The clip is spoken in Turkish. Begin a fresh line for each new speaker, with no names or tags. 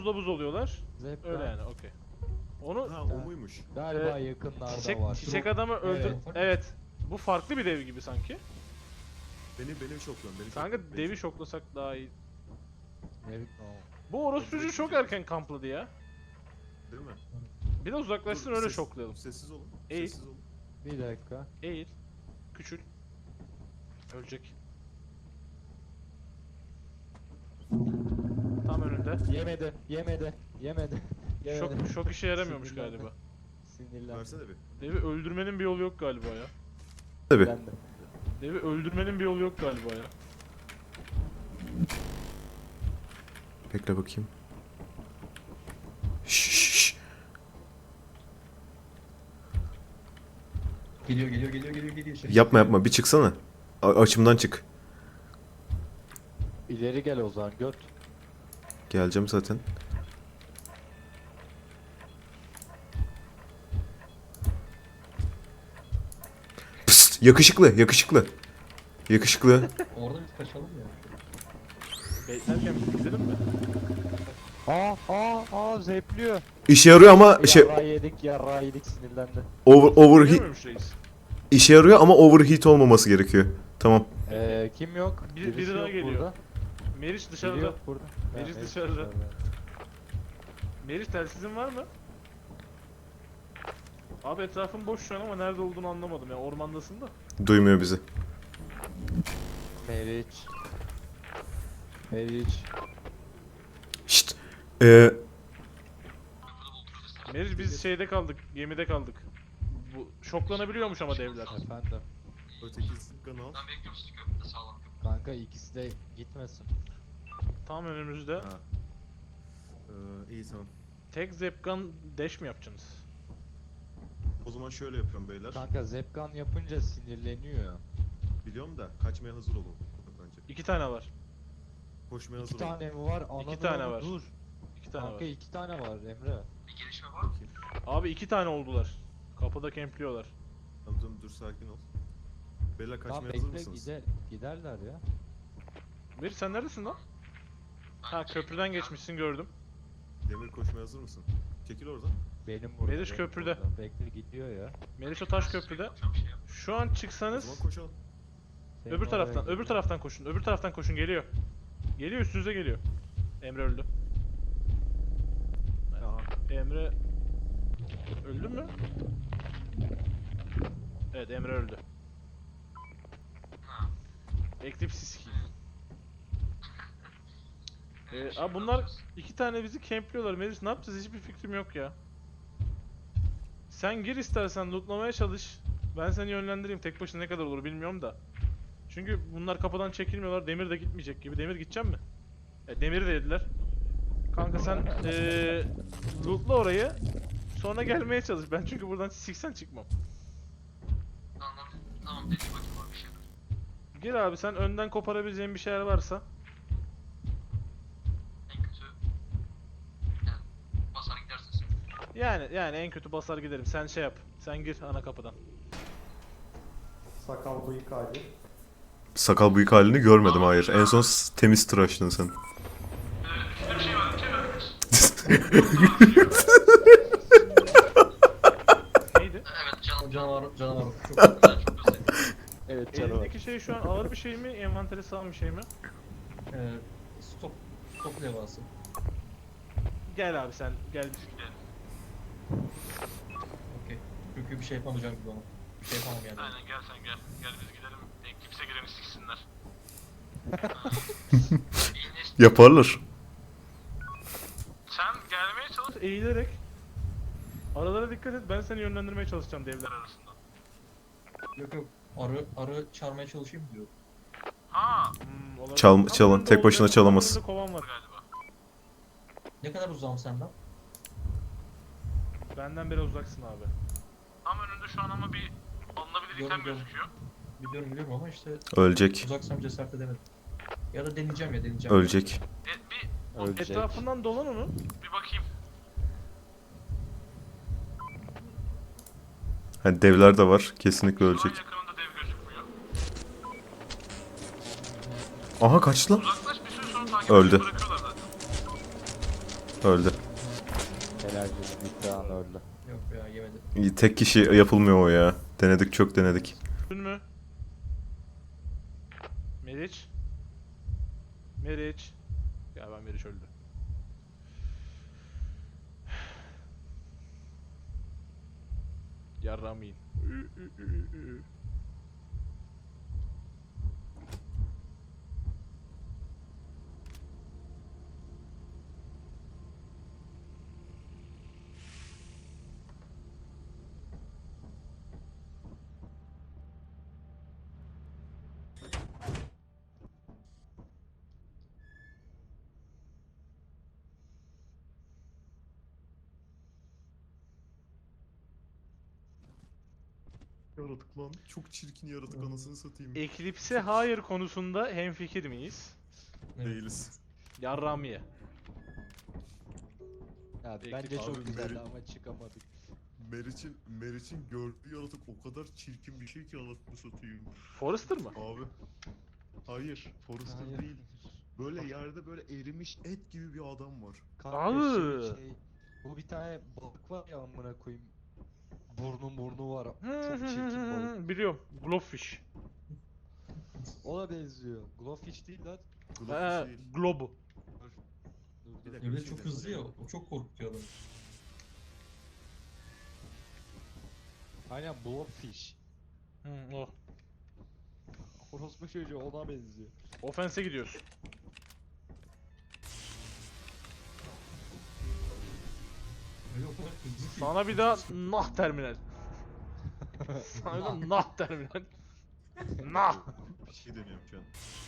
buzla buz oluyorlar.
Zepkan.
Öyle yani, okey. Onu
Ha, o muymuş?
Galiba yakınlarda
çiçek,
var.
çiçek adamı öldür...
Evet.
Evet. Bu farklı bir dev gibi sanki.
Beni şokluyorsun, beni
Kanka
şokluyorsun, beni
devi
şokluyorsun.
şoklasak daha iyi.
Ne bileyim.
Bu orospucu çok erken kampladı ya.
Değil mi?
Bir de uzaklaşsın
Dur,
öyle
ses-
şoklayalım.
Sessiz olun.
Eğil.
Sessiz olun.
Bir dakika.
Eğil. Küçül. Ölecek. Tam önünde.
Yemedi. Yemedi. Yemedi. Yemedi.
Şok işe yaramıyormuş
Sinirlendi.
galiba.
Sinirlendim.
Versene bir.
Devi öldürmenin bir yolu yok galiba ya.
Tabii.
Ben de.
Devi öldürmenin bir yolu yok galiba ya.
Bekle bakayım. Şşş.
Geliyor. Şey.
Yapma bir çıksana. Açımdan çık.
İleri gel o zaman göt.
Geleceğim zaten. Psst, yakışıklı. Yakışıklı.
Orada biz kaçalım ya.
Beklerken biz gidelim mi?
Zepliyor.
İşe yarıyor ama
Yarrağı yedik sinirlendi.
Biliyor
overheat
muymuş reis?
işe yarıyor ama overheat olmaması gerekiyor. Tamam.
Kim yok?
Biri
Birisi
daha
yok
geliyor.
burada.
Meriç
Biri
dışarıda.
yok burada.
Meriç
Meriç
dışarıda. Meriç telsizin var mı? Abi etrafın boş şu an ama nerede olduğunu anlamadım ya. Ormandasın da.
Duymuyor bizi.
Meriç. Meriç.
Şşt.
Meriç biz şeyde kaldık. Gemide kaldık. Bu şoklanabiliyormuş ama devler.
Efendim.
Öteki kanal.
Kanka ikisi de gitmesin.
Tam önümüzde.
Ha. İyi tamam.
Tek zepkan dash mi yapacaksınız?
O zaman şöyle yapıyorum beyler.
Kanka Zepkan yapınca sinirleniyor.
Biliyorum da kaçmaya hazır olun. Bence.
2 tane var.
Koşmaya hazır
2
olun.
tane mi var? Anadolu
tane var.
Dur.
2 tane
Kanka
var.
2 tane var Emre.
Abi 2 tane oldular. Kapıda kempliyorlar.
Tamam dur sakin ol. Beyler
Tamam
kaçmaya hazır
bekle
mısınız?
giderler ya.
Meriç sen neredesin lan? Ha köprüden geçmişsin gördüm.
Demir koşmaya hazır mısın? Çekil oradan.
Benim burada.
Meriç
benim
köprüde.
burada. Bekle gidiyor ya.
Meriç o taş köprüde. Şu an
O
çıksanız
zaman koşalım.
Senin
öbür
oraya
taraftan,
gidiyor.
öbür taraftan koşun. Öbür taraftan koşun geliyor. Geliyor üstünüze geliyor. Emre öldü.
Aha.
Emre öldü mü? Evet Emre öldü. Eclipse sikeyim. Abi bunlar 2 tane bizi kempliyorlar. Meriç ne yapacağız hiçbir fikrim yok ya. Sen gir istersen lootlamaya çalış. Ben seni yönlendireyim. Tek başına ne kadar olur bilmiyorum da. Çünkü bunlar kapıdan çekilmiyorlar. Demir de gitmeyecek gibi. Demir gidecek mi? Demir'i de yediler. Kanka sen lootla orayı. Sonra gelmeye çalış. Ben çünkü buradan siksen çıkmam.
Tamam dedi bakayım abi bir şey.
Gir abi sen önden koparabileceğin bir şeyler varsa.
En kötü yani basar gidersin sen.
Yani en kötü basar giderim. Sen şey yap. Sen gir ana kapıdan.
Sakal bıyık hali.
Sakal bıyık halini görmedim hayır. En son temiz tıraştın sen.
Size bir şey var, bir şey var.
Neydi?
Evet
Canavar. Çok
güzel, çok güzel.
Evet canavar.
Elindeki şey şu an ağır bir şey mi? Envanteri sağlam bir şey mi?
Stop levhası.
Gel abi sen gel.
Okey. Çünkü bir şey yapamayacağım gibi ama. Bir şey yapamam yani.
Aynen gel sen gel. Gel biz gidelim. Kimse gireni siksinler.
Yaparlar.
Sen gelmeye çalış.
Eğilerek. Aralara dikkat et. Ben seni yönlendirmeye çalışacağım devler arasında.
Yok. Arı çağırmaya çalışayım diyor.
Ha
Olabilir.
Çalın,
Tam önünde
tek başına
olacak,
çalamaz.
tam önünde kovan var.
galiba.
Ne kadar uzağım senden?
Benden biraz uzaksın abi.
Tam önünde şu an ama bir alınabilir item
Gördüm.
gözüküyor.
Biliyorum ama işte
Ölecek.
uzaksam cesaret edemedim. Ya da deneyeceğim.
Ölecek.
Bir
Ölecek.
Etrafından dolan onu.
bir bakayım.
Hani devler de var. Kesinlikle
Şu an
ölecek.
yakınında dev gözükmüyor.
Aha kaçtı lan.
Uzaklaş bir süre sonra takip
Öldü.
edip bırakıyorlar zaten.
Öldü.
Helal olsun. Bitti an öldü.
Yok ya yemedi.
İyi, tek kişi yapılmıyor o ya. Denedik, çok denedik.
Öldün mü? Meriç? Meriç? Ya ben Meriç öldü. Yarrağımı yiyin.
Yaratık lan. Çok çirkin yaratık anasını satayım.
Eclipse'e hayır konusunda hemfikir miyiz?
Değiliz.
Yarrağımı ye.
Ya
Peki,
bence çok
abi,
güzeldi
Meri-
ama çıkamadık.
Meriç'in gördüğü yaratık o kadar çirkin bir şey ki anasını satayım.
Forrester mı?
Abi. Hayır. Forrester
Hayır.
değil. Böyle yerde böyle erimiş et gibi bir adam var.
Kanka
Abi.
bu bir tane balık var ya amına koyayım. Burnu var.
Hı
Çok
hı
çirkin
hı
balık.
hı, biliyorum. Globfish.
Ona benziyor. Glowfish değil lan.
Glowfish değil.
Globu.
Dur,
Bir
dur.
dakika.
Öyle çok hızlı ya. O çok korkutuyor adamı.
Aynen Blobfish.
Hı, o.
Orospu çocuğu ona benziyor.
Offense'e gidiyoruz.
Öyle o kadar hızlı ki.
Sana bir daha nah terminal. Sana bir daha nah terminal. Nah.
Bir şey deniyorum şu an.